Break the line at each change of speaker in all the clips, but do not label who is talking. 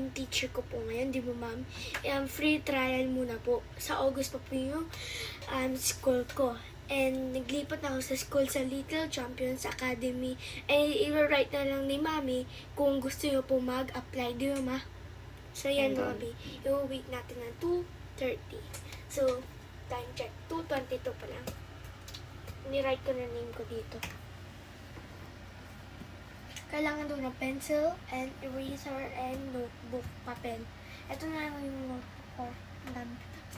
yung teacher ko po ngayon, di ba ma'am? Free trial muna po. Sa August pa po yung school ko. And naglipat na ako sa school sa Little Champions Academy. I-write na lang ni mami kung gusto nyo po mag-apply, di ba ma? So yan mami, i-wait natin ng 2:30. So, time check, 2:22 pa lang. Ni-write ko na name ko dito. Kailangan doon ng pencil and eraser and notebook, papel. Ito na lang yung notebook ko. Ang dami.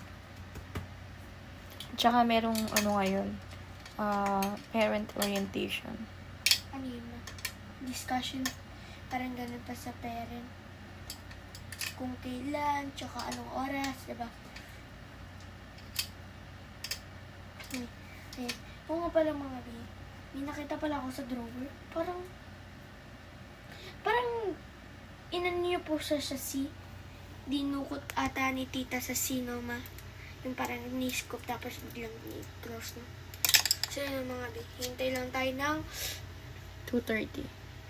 Tsaka merong ngayon, parent orientation.
Ano yun na? Discussion. Parang ganun pa sa parent. Kung kailan, tsaka anong oras, diba? Ayan. Oo nga pala mga bi. May nakita pala ako sa drawer. Parang inan niyo po siya sa C. Dinukot ata ni tita sa C, no ma? Yung parang ni-scoop tapos biglang ni-close na. So yun mga bi. Hintay lang tayo ng
2:30.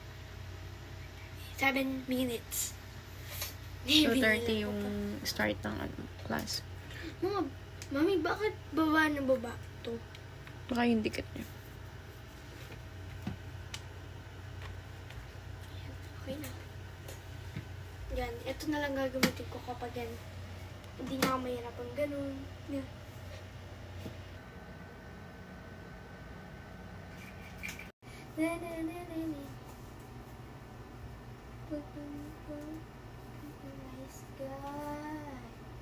7 minutes.
2:30 yung start ng class.
Mga, mami, bakit baba na baba to?
Baka yung dikit niya.
Okay na. Yan. Ito na lang gagamitin ko kapag yan. Hindi na ako mahirapan ganun. Yan. Na na na na na. Nice guy.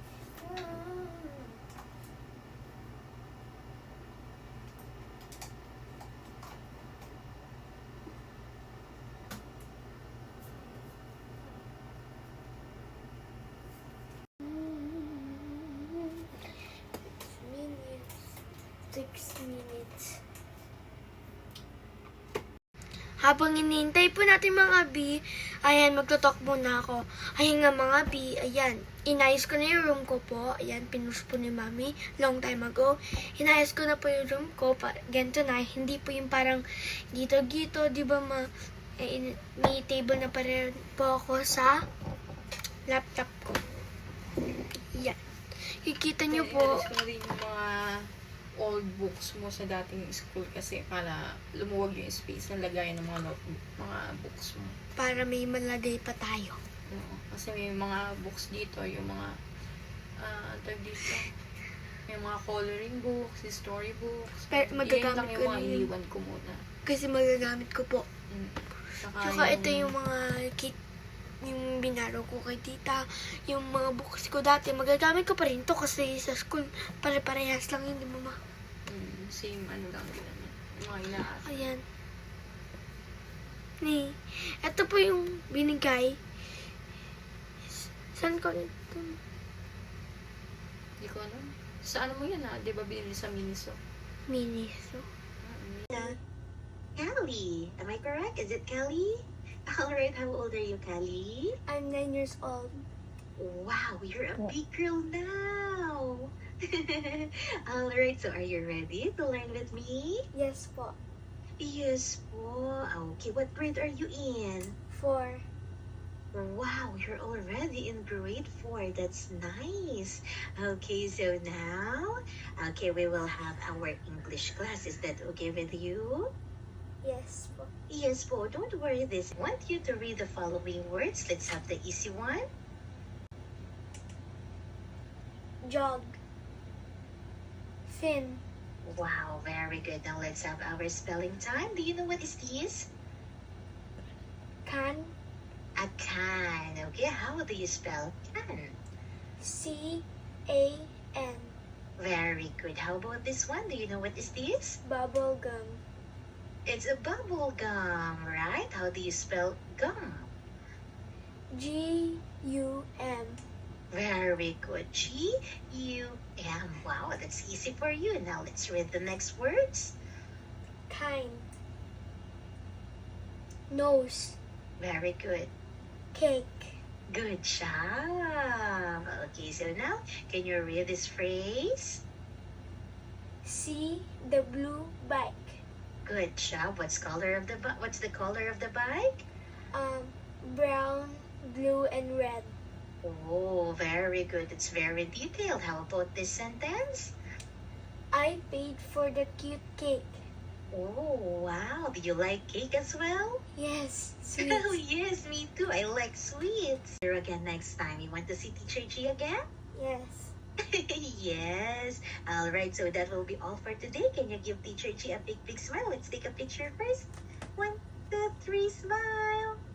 Six minutes. Habang hinihintay po natin mga B, ayan, magtotalk muna ako. Ayun nga mga B, ayan, inayos ko na yung room ko po. Ayan, pinus po ni Mami long time ago. Inayos ko na po yung room ko. Ganito na, hindi po yung parang gito-gito, di ba ma? May table na pa rin po ako sa laptop ko. Ayan. Kikita nyo po.
Alis ko na rin yung mga old books mo sa dating school kasi para lumuwag yung space na lagayan ng mga notebook, mga books mo.
Para may malagay pa tayo.
Kasi may mga books dito, yung mga tag dito, yung mga coloring books, story books.
Pero magagamit
lang yung
ko
mga
na yun.
iniwan ko muna.
Kasi magagamit ko po. Tsaka
yung,
ito yung mga yung binaro ko kay tita, yung mga books ko dati, magagamit ko pa rin to kasi sa school, pare-parehas lang yun, di ba ma?
Same lang din. Yung mga inaas.
Ayan. Ito po yung binigay. Saan ko ito?
Hindi ko alam. Sa ano mo yan di ba binili sa Miniso?
Miniso.
Kelly, am I correct? Is it Kelly? Alright, how old are you, Kelly?
I'm 9 years old.
Wow, you're a big girl now. Alright, so are you ready to learn with me?
Yes po.
Yes po. Okay, what grade are you in?
4.
Wow, you're already in grade 4. That's nice. Okay, so now, we will have our English class. Is that okay with you?
Yes po.
Yes po, don't worry this. I want you to read the following words. Let's have the easy one.
Jog. Fin.
Wow, very good. Now let's have our spelling time. Do you know what is this?
Can.
A can. Okay, how do you spell can?
C-A-N.
Very good. How about this one? Do you know what is this?
Bubble gum.
It's a bubble gum, right? How do you spell gum?
G-U-M.
Very good. G-U-M. Wow, that's easy for you. Now let's read the next words.
Kind. Nose.
Very good.
Cake.
Good job. Okay, so now, can you read this phrase?
See the blue bike.
Good job. What's the color of the bike?
Brown, blue, and red.
Oh, very good. It's very detailed. How about this sentence?
I paid for the cute cake.
Oh, wow. Do you like cake as well?
Yes,
Oh,
sweet.
yes, me too. I like sweets. Here again next time. You want to see Teacher G again?
Yes.
Yes. All right, so that will be all for today. Can you give Teacher G a big, big smile? Let's take a picture first. 1, 2, 3, smile.